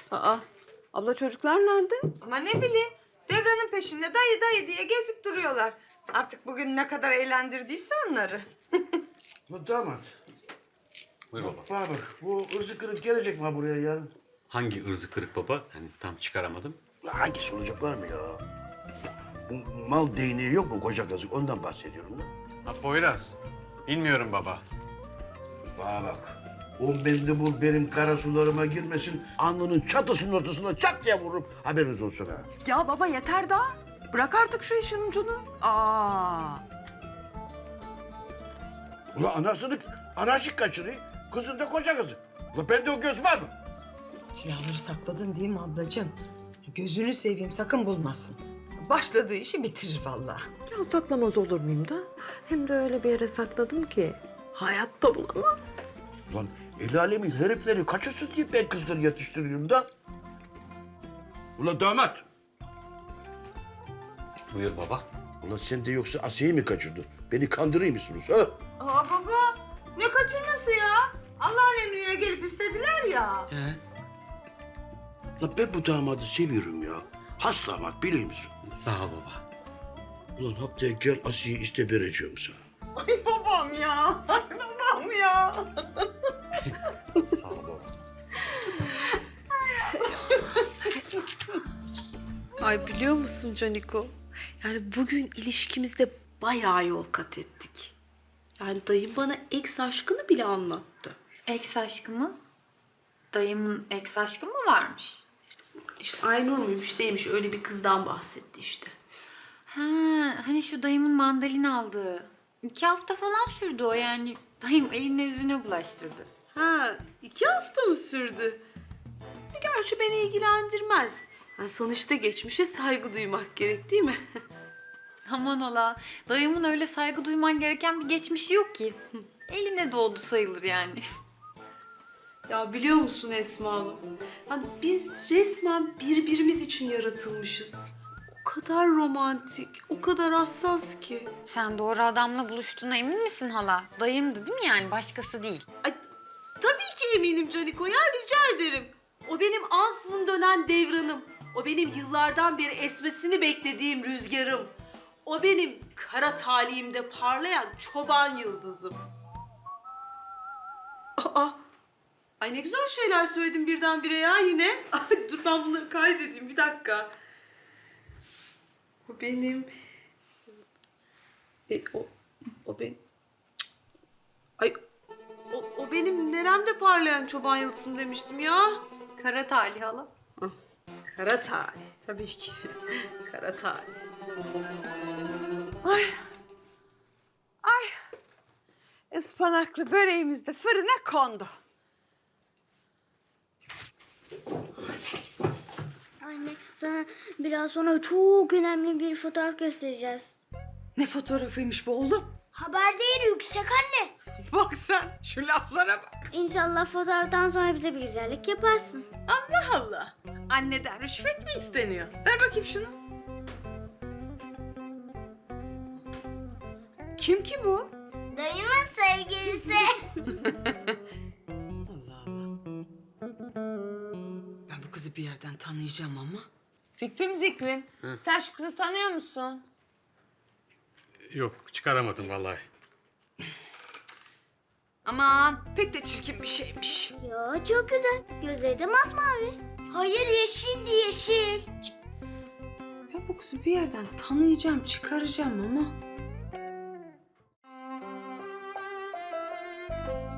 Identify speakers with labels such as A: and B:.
A: Aa, abla çocuklar nerede?
B: Ama ne bileyim, Devran'ın peşinde dayı dayı diye gezip duruyorlar. Artık bugün ne kadar eğlendirdiyse onları.
C: Bu damat.
D: Buyur baba.
C: Bana bak, bu ırzı kırık gelecek mi buraya yarın?
D: Hangi ırzı kırık baba? Hani tam çıkaramadım.
C: Hangisi olacak var mı ya? Bu mal değneği yok mu koca kazık? Ondan bahsediyorum da.
D: Ha Poyraz. Bilmiyorum baba.
C: Bana bak. O mendebur benim kara sularıma girmesin. Alnının çatısının ortasına çat diye vururum. Haberiniz olsun ha.
A: Ya baba yeter daha. Bırak artık şu işin ucunu. Aa.
C: Ulan anasını anarşik kaçırıyor. Kızın da koca kızı. Ulan bende o göz var mı?
B: Silahları sakladın değil mi ablacığım? Gözünü seveyim, sakın bulmasın. Başladığı işi bitirir vallahi.
A: Ya saklamaz olur muyum da? Hem de öyle bir yere sakladım ki hayatta bulamaz.
C: Ulan el alemin herifleri kaçırsın diye ben kızları yatıştırıyorum da. Ulan damat.
D: Buyur baba.
C: Ulan sen de yoksa Asiye'yi mi kaçırdın? Beni kandırıyor musunuz ha?
B: Aa baba, ne kaçırması ya? Allah'ın emriyle gelip istediler ya.
C: Ulan ben bu damadı seviyorum ya. Has damat biliyor musun?
D: Sağ ol baba.
C: Ulan haftaya gel Asiye'yi iste vereceğim sana.
B: Ay babam ya, ay babam ya.
D: Sağ ol baba.
A: Ay biliyor musun Caniko? Yani bugün ilişkimizde bayağı yol kat ettik. Yani dayım bana ex aşkını bile anlattı.
E: Ex aşkı mı? Dayımın ex aşkı mı varmış?
A: İşte Aynur muymuş değilmiş öyle bir kızdan bahsetti işte.
E: Ha, hani şu dayımın mandalina aldığı. 2 hafta falan sürdü o yani. Dayım eline yüzüne bulaştırdı.
A: Ha 2 hafta mı sürdü? Gerçi beni ilgilendirmez. Yani sonuçta geçmişe saygı duymak gerek değil mi?
E: Aman ola. Dayımın öyle saygı duyman gereken bir geçmişi yok ki. Eline doğdu sayılır yani.
A: Ya biliyor musun Esma Hanım? Yani biz resmen birbirimiz için yaratılmışız. O kadar romantik, o kadar hassas ki.
E: Sen doğru adamla buluştuğuna emin misin hala? Dayımdı değil mi yani? Başkası değil.
A: Ay, tabii ki eminim Caniko ya, rica ederim. O benim ansızın dönen devranım. O benim yıllardan beri esmesini beklediğim rüzgarım. O benim kara talihimde parlayan çoban yıldızım. Aa, ay ne güzel şeyler söyledim birdenbire ya yine. Ay, dur ben bunları kaydedeyim bir dakika. O benim... o benim... Ay o benim neremde parlayan çoban yıldızım demiştim ya.
E: Kara talih hala.
A: Kara talih tabii ki. Kara talih. Ay. Ay. Ispanaklı böreğimiz de fırına kondu.
F: Anne, sana biraz sonra çok önemli bir fotoğraf göstereceğiz.
B: Ne fotoğrafıymış bu oğlum?
F: Haber değeri yüksek anne.
B: Bak sen şu laflara bak.
F: İnşallah fotoğraftan sonra bize bir güzellik yaparsın.
B: Allah Allah. Anneden rüşvet mi isteniyor? Ver bakayım şunu. Kim ki bu?
F: Dayımın sevgilisi.
B: Allah Allah. Ben bu kızı bir yerden tanıyacağım ama. Fikrim Zikrim, sen şu kızı tanıyor musun?
D: Yok çıkaramadım vallahi.
B: Aman pek de çirkin bir şeymiş.
F: Yo, çok güzel. Gözleri de masmavi. Hayır, yeşildi yeşil.
A: Ben bu kızı bir yerden tanıyacağım, çıkaracağım ama...